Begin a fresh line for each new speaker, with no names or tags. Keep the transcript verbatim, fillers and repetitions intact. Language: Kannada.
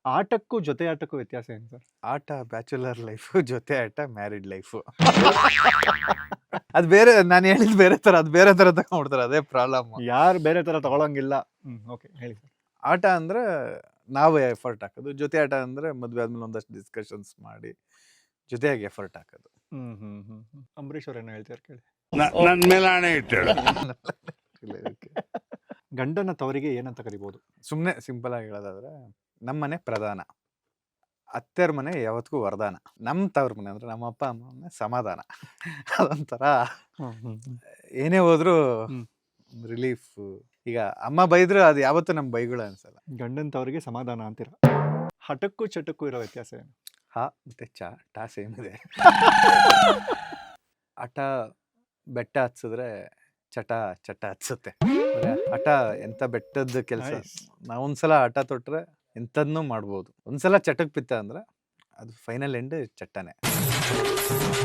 ಆಟಕ್ಕೂ ಜೊತೆ ಆಟಕ್ಕೂ ವ್ಯತ್ಯಾಸ ಏನು ಸರ್?
ಆಟ ಬ್ಯಾಚುಲರ್ ಲೈಫು, ಜೊತೆ ಆಟ ಮ್ಯಾರಿಡ್ ಲೈಫು. ಅದು ಬೇರೆ, ನಾನು ಹೇಳಿದ್ ಬೇರೆ ತರ, ಅದು ಬೇರೆ ತರ ತಗೊಂಡ್ಬಿಡ್ತಾರೆ, ಅದೇ ಪ್ರಾಬ್ಲಮ್.
ಯಾರು ಬೇರೆ ತರ ತಗೊಳಂಗಿಲ್ಲ. ಹ್ಮ್ ಓಕೆ ಹೇಳಿ ಸರ್.
ಆಟ ಅಂದ್ರೆ ನಾವು ಎಫರ್ಟ್ ಹಾಕೋದು, ಜೊತೆ ಆಟ ಅಂದ್ರೆ ಮದ್ವೆ ಆದ್ಮೇಲೆ ಒಂದಷ್ಟು ಡಿಸ್ಕಷನ್ಸ್ ಮಾಡಿ ಜೊತೆಯಾಗಿ ಎಫರ್ಟ್ ಹಾಕೋದು.
ಹ್ಮ್ ಹ್ಮ್ ಹ್ಮ್ ಹ್ಮ್. ಅಂಬರೀಶ್ ಅವ್ರು ಏನೋ ಹೇಳ್ತಾರೆ ಕೇಳಿ.
ನನ್ ಮೇಲೆ ಹಣೆ ಇಟ್ಟಳು.
ಗಂಡನ ತವರಿಗೆ ಏನಂತ ಕರಿಬಹುದು?
ಸುಮ್ಮನೆ ಸಿಂಪಲ್ ಆಗಿ ಹೇಳೋದಾದ್ರೆ, ನಮ್ಮನೆ ಪ್ರಧಾನ, ಅತ್ತೆರ ಮನೆ ಯಾವತ್ತಿಗೂ ವರದಾನ, ನಮ್ಮ ತವ್ರ ಮನೆ ಅಂದ್ರೆ ನಮ್ಮ ಅಪ್ಪ ಅಮ್ಮ ಮನೆ ಸಮಾಧಾನ. ಅದೊಂಥರ ಏನೇ ಹೋದ್ರು
ಹ್ಮ್.
ರಿಲೀಫ್. ಈಗ ಅಮ್ಮ ಬೈದ್ರು ಅದು ಯಾವತ್ತೂ ನಮ್ಮ ಬೈಗಳು ಅನ್ಸಲ್ಲ.
ಗಂಡನ ತವರಿಗೆ ಸಮಾಧಾನ ಅಂತೀರ. ಹಠಕ್ಕೂ ಚಟಕ್ಕೂ ಇರೋ ವ್ಯತ್ಯಾಸ ಏನು?
ಹಾ ಮತ್ತೆ ಚಾ ಟಾ ಸೇಮ್ ಇದೆ. ಹಠ ಬೆಟ್ಟ ಹತ್ಸಿದ್ರೆ ಚಟ ಚಟ ಹತ್ಸುತ್ತೆ. ಅಂದ್ರೆ ಹಠ ಎಂತ ಬೆಟ್ಟದ ಕೆಲಸ.
Nice.
ನಾವೊಂದ್ಸಲ ಹಠ ತೊಟ್ರೆ ಎಂಥದ್ನೂ ಮಾಡ್ಬೋದು. ಒಂದ್ಸಲ ಚಟಕ್ ಬಿತ್ತ ಅಂದ್ರೆ ಅದು ಫೈನಲ್ ಎಂಡ್ ಚಟ್ಟನೆ.